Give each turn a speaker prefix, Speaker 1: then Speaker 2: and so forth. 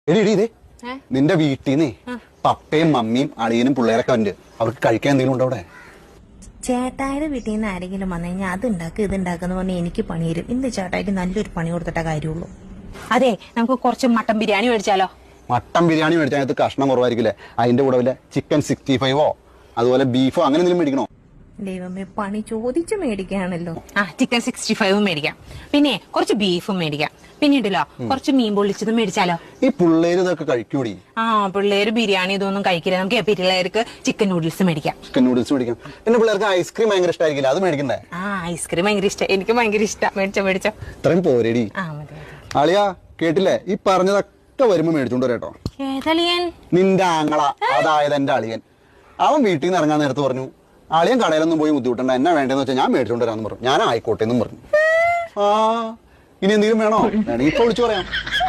Speaker 1: എടി എടി ഇതേ നിന്റെ വീട്ടിൽ നിന്നേ പപ്പയും മമ്മിയും അളിയനും പിള്ളേരൊക്കെ ഉണ്ട്. അവർക്ക് കഴിക്കാൻ എന്തെങ്കിലും ഉണ്ടോ അവിടെ?
Speaker 2: ചേട്ടായുടെ വീട്ടിൽ നിന്ന് ആരെങ്കിലും വന്നു കഴിഞ്ഞാൽ അത് ഉണ്ടാക്കുക ഇത് ഉണ്ടാക്കുന്ന പറഞ്ഞാൽ എനിക്ക് പണി തരും. ഇന്ന് ചേട്ടായിട്ട് നല്ലൊരു പണി കൊടുത്തിട്ട കാര്യമുള്ളൂ.
Speaker 3: അതെ, നമുക്ക് കുറച്ച് മട്ടൻ ബിരിയാണി മേടിച്ചാലോ?
Speaker 1: മട്ടൻ ബിരിയാണി മേടിച്ചാൽ അതിനകത്ത് കഷ്ണം കുറവായിരിക്കില്ലേ? അതിന്റെ കൂടെ വല്ല ചിക്കൻ 65ഓ അതുപോലെ ബീഫോ അങ്ങനെ എന്തെങ്കിലും മേടിക്കണോ?
Speaker 2: ദൈവമേ, പണി ചോദിച്ചു മേടിക്കുകയാണല്ലോ.
Speaker 3: ചിക്കൻ 65 മേടിക്കാം, പിന്നെ കുറച്ച് ബീഫും മേടിക്കാം, പിന്നീടല്ലോ കുറച്ച് മീൻ പൊള്ളിച്ചതും മേടിച്ചാലോ?
Speaker 1: ഈ പിള്ളേര് ഇതൊക്കെ കഴിക്കൂടി.
Speaker 3: പിള്ളേര് ബിരിയാണി ഇതൊന്നും കഴിക്കില്ല. നമുക്ക് പിള്ളേർക്ക് ചിക്കൻ നൂഡിൽസ് മേടിക്കാം.
Speaker 1: ചിക്കൻ നൂഡിൽസ് മേടിക്കാം. പിന്നെ പിള്ളേർക്ക് ഐസ്ക്രീം ഭയങ്കര ഇഷ്ടമായിരിക്കില്ല, അത് മേടിക്കണ്ടേ?
Speaker 3: ഐസ്ക്രീം ഭയങ്കര ഇഷ്ടം, എനിക്ക് ഭയങ്കര ഇഷ്ടം. മേടിച്ചോ.
Speaker 1: ഇത്രയും പോരേടി. അളിയാ കേട്ടില്ലേ? ഈ പറഞ്ഞതൊക്കെ വരുമ്പോ മേടിച്ചോണ്ട് വരട്ടോ.
Speaker 3: ഏതളിയൻ?
Speaker 1: നിന്റെ ആങ്ങള, അതായത് എന്റെ അളിയൻ. അവൻ വീട്ടിൽ നിന്ന് ഇറങ്ങാൻ നേരത്ത് പറഞ്ഞു, അളിയൻ കടയിലൊന്നും പോയി ബുദ്ധിമുട്ടണ്ട, എന്നാ വേണ്ടെന്ന് വെച്ചാൽ ഞാൻ മേടിച്ചോണ്ട് വരാന്ന് പറഞ്ഞു. ഞാൻ ആയിക്കോട്ടെ എന്നും പറഞ്ഞു. ഇനി എന്തെങ്കിലും വേണോ? വേണമെങ്കിൽ ഇപ്പൊ വിളിച്ചു പറയാം.